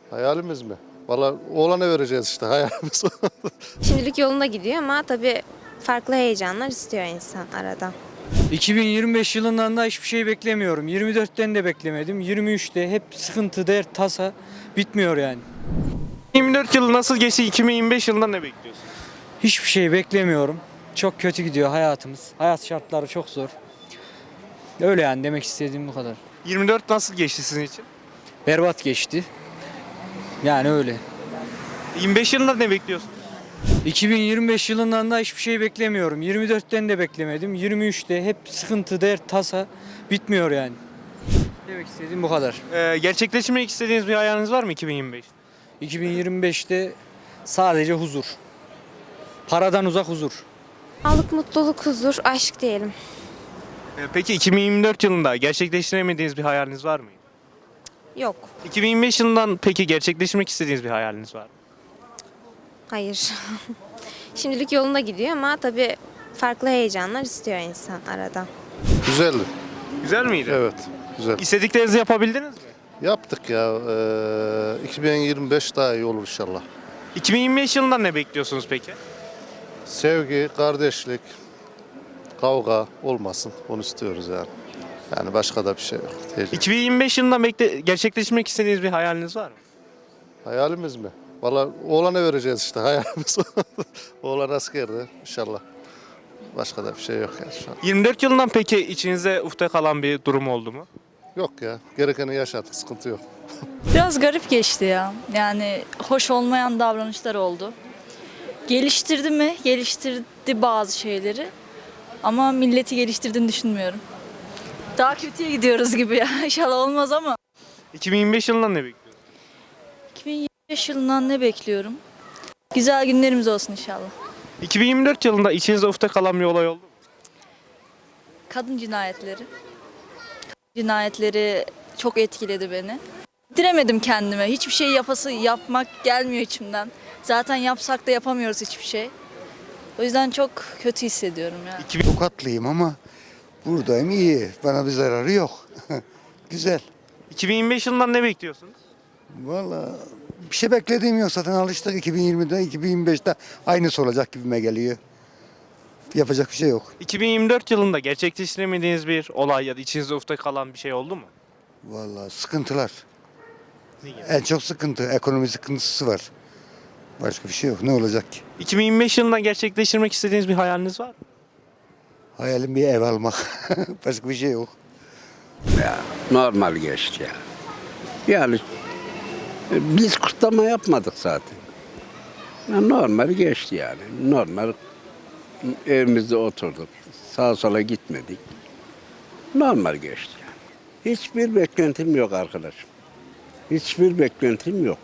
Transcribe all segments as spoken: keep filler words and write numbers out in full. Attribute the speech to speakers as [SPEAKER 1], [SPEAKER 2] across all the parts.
[SPEAKER 1] Hayalimiz mi? Valla oğlana vereceğiz işte hayalimiz.
[SPEAKER 2] Şimdilik yolunda gidiyor ama tabii farklı heyecanlar istiyor insan arada.
[SPEAKER 3] iki bin yirmi beş yılından da hiçbir şey beklemiyorum. yirmi dörtten de beklemedim. yirmi üçte hep sıkıntı, dert, tasa bitmiyor yani.
[SPEAKER 4] yirmi dört yılı nasıl geçti? iki bin yirmi beş yılından ne bekliyorsun?
[SPEAKER 3] Hiçbir şey beklemiyorum. Çok kötü gidiyor hayatımız. Hayat şartları çok zor. Öyle yani demek istediğim bu kadar.
[SPEAKER 4] yirmi dört nasıl geçti sizin için?
[SPEAKER 3] Berbat geçti. Yani öyle.
[SPEAKER 4] yirmi beş yılında ne bekliyorsun?
[SPEAKER 3] iki bin yirmi beş yılından da hiçbir şey beklemiyorum. yirmi dörtten de beklemedim. yirmi üçte hep sıkıntı, dert, tasa bitmiyor yani. Demek istediğim bu kadar.
[SPEAKER 4] Ee, gerçekleştirmek istediğiniz bir hayaliniz var mı iki bin yirmi beş?
[SPEAKER 3] iki bin yirmi beşte sadece huzur. Paradan uzak huzur.
[SPEAKER 2] Sağlık, mutluluk, huzur, aşk diyelim.
[SPEAKER 4] Ee, peki iki bin yirmi dört yılında gerçekleştiremediğiniz bir hayaliniz var mı?
[SPEAKER 2] Yok,
[SPEAKER 4] iki bin yirmi beş yılından peki gerçekleştirmek istediğiniz bir hayaliniz var mı?
[SPEAKER 2] hayır. Şimdilik yolunda gidiyor ama tabii farklı heyecanlar istiyor insan arada.
[SPEAKER 1] Güzeldi.
[SPEAKER 4] Güzel miydi?
[SPEAKER 1] Evet. Güzel.
[SPEAKER 4] İstediklerinizi yapabildiniz mi?
[SPEAKER 1] Yaptık ya. Ee, iki bin yirmi beş daha iyi olur inşallah.
[SPEAKER 4] iki bin yirmi beş yılından ne bekliyorsunuz peki?
[SPEAKER 1] Sevgi, kardeşlik, kavga olmasın. Onu istiyoruz yani. Yani başka da bir şey yok. Değil.
[SPEAKER 4] iki bin yirmi beş yılından bekle gerçekleştirmek istediğiniz bir hayaliniz var mı?
[SPEAKER 1] Hayalimiz mi? Valla oğlana vereceğiz işte hayalimiz. Oğlan askerde inşallah. Başka da bir şey yok yani şu an.
[SPEAKER 4] yirmi dört yılından peki içinizde ufta kalan bir durum oldu mu?
[SPEAKER 1] Yok ya. Gerekeni yaşadık. Sıkıntı yok.
[SPEAKER 5] Biraz garip geçti ya. Yani hoş olmayan davranışlar oldu. Geliştirdi mi? Geliştirdi bazı şeyleri. Ama milleti geliştirdiğini düşünmüyorum. Daha kötüye gidiyoruz gibi ya. İnşallah olmaz ama.
[SPEAKER 4] iki bin yirmi beş yılından ne bekliyorsunuz?
[SPEAKER 5] iki bin yirmi beş yılından ne bekliyorum? Güzel günlerimiz olsun inşallah.
[SPEAKER 4] iki bin yirmi dört yılında içinizde ufta kalan bir olay oldu mu?
[SPEAKER 5] Kadın cinayetleri. Kadın cinayetleri çok etkiledi beni. Diremedim kendime. Hiçbir şey yapası yapmak gelmiyor içimden. Zaten yapsak da yapamıyoruz hiçbir şey. O yüzden çok kötü hissediyorum yani.
[SPEAKER 6] Tokatlıyım ama buradayım iyi. Bana bir zararı yok. Güzel.
[SPEAKER 4] iki bin yirmi beş yılından ne bekliyorsunuz?
[SPEAKER 6] Vallahi bir şey beklediğim yok. Zaten alıştık iki bin yirmide, iki bin yirmi beşte aynısı olacak gibime geliyor. Yapacak bir şey yok.
[SPEAKER 4] iki bin yirmi dört yılında gerçekleştiremediğiniz bir olay ya da içinizde ufta kalan bir şey oldu mu?
[SPEAKER 6] Vallahi sıkıntılar.
[SPEAKER 4] Ne gibi?
[SPEAKER 6] En çok sıkıntı. Ekonomi sıkıntısı var. Başka bir şey yok. Ne olacak ki?
[SPEAKER 4] iki bin yirmi beş yılında gerçekleştirmek istediğiniz bir hayaliniz var mı?
[SPEAKER 6] Hayalim bir ev almak. Başka bir şey yok.
[SPEAKER 7] Normal geçti ya. Yani e, biz kutlama yapmadık zaten. Ya normal geçti yani. Normal evimizde oturduk. Sağa sola gitmedik. Normal geçti yani. Hiçbir beklentim yok arkadaşım. Hiçbir beklentim yok.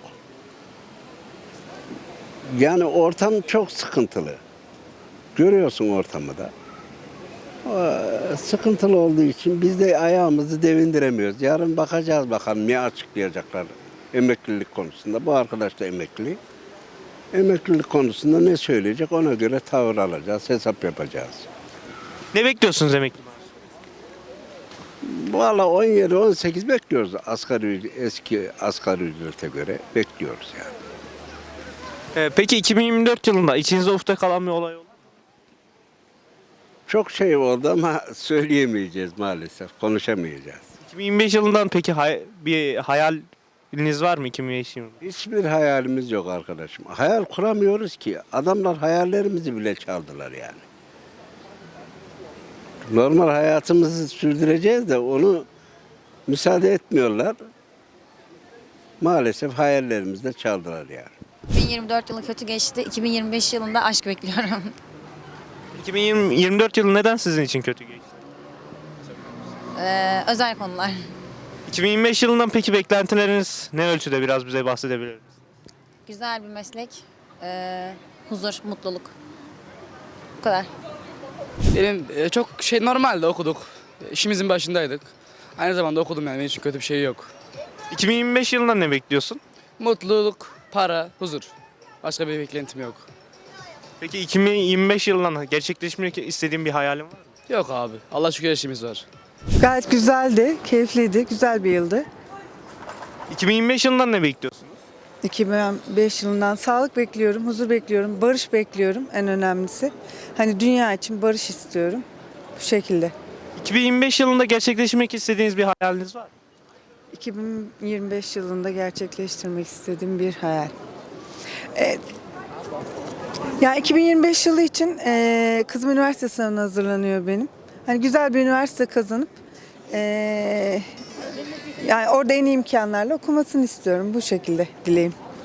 [SPEAKER 7] Yani ortam çok sıkıntılı. Görüyorsun ortamı da. O, sıkıntılı olduğu için biz de ayağımızı devindiremiyoruz. Yarın bakacağız bakalım ne açıklayacaklar emeklilik konusunda. Bu arkadaş da emekli. Emeklilik konusunda ne söyleyecek ona göre tavır alacağız, hesap yapacağız.
[SPEAKER 4] Ne bekliyorsunuz emekli maaşı?
[SPEAKER 7] Valla on yedi on sekiz bekliyoruz asgari ücret- eski asgari ücrete göre bekliyoruz yani.
[SPEAKER 4] Ee, peki iki bin yirmi dört yılında içinizde ufta kalan bir olay oldu mu?
[SPEAKER 7] Çok şey oldu ama söyleyemeyeceğiz maalesef, konuşamayacağız.
[SPEAKER 4] iki bin yirmi beş yılından peki hay- bir hayaliniz var mı iki bin yirmi beş yılında?
[SPEAKER 7] Hiçbir hayalimiz yok arkadaşım. Hayal kuramıyoruz ki. Adamlar hayallerimizi bile çaldılar yani. Normal hayatımızı sürdüreceğiz de onu müsaade etmiyorlar. Maalesef hayallerimizi de çaldılar yani.
[SPEAKER 8] iki bin yirmi dört yılı kötü geçti. iki bin yirmi beş yılında aşk bekliyorum.
[SPEAKER 4] iki bin yirmi dört yılı neden sizin için kötü geçti?
[SPEAKER 8] Ee, özel konular.
[SPEAKER 4] iki bin yirmi beş yılından peki beklentileriniz ne ölçüde biraz bize bahsedebilir misiniz?
[SPEAKER 8] Güzel bir meslek. Ee, huzur, mutluluk. Bu kadar.
[SPEAKER 9] Benim e, çok şey normalde okuduk. İşimizin başındaydık. Aynı zamanda okudum yani benim için kötü bir şey yok.
[SPEAKER 4] iki bin yirmi beş yılından ne bekliyorsun?
[SPEAKER 9] Mutluluk, para, huzur. Başka bir beklentim yok.
[SPEAKER 4] Peki iki bin yirmi beş yılından gerçekleşmek istediğin bir hayalin var mı?
[SPEAKER 9] Yok abi. Allah şükür her şeyimiz var.
[SPEAKER 10] Gayet güzeldi, keyifliydi, güzel bir yıldı.
[SPEAKER 4] iki bin yirmi beş yılından ne bekliyorsunuz?
[SPEAKER 10] iki bin beş yılından sağlık bekliyorum, huzur bekliyorum, barış bekliyorum en önemlisi. Hani dünya için barış istiyorum. Bu şekilde.
[SPEAKER 4] iki bin yirmi beş yılında gerçekleştirmek istediğiniz bir hayaliniz var mı?
[SPEAKER 10] iki bin yirmi beş yılında gerçekleştirmek istediğim bir hayal. Evet. Ya iki bin yirmi beş yılı için e, kızım üniversite sınavına hazırlanıyor benim. Hani güzel bir üniversite kazanıp e, yani orada en iyi imkanlarla okumasını istiyorum. Bu şekilde dileğim.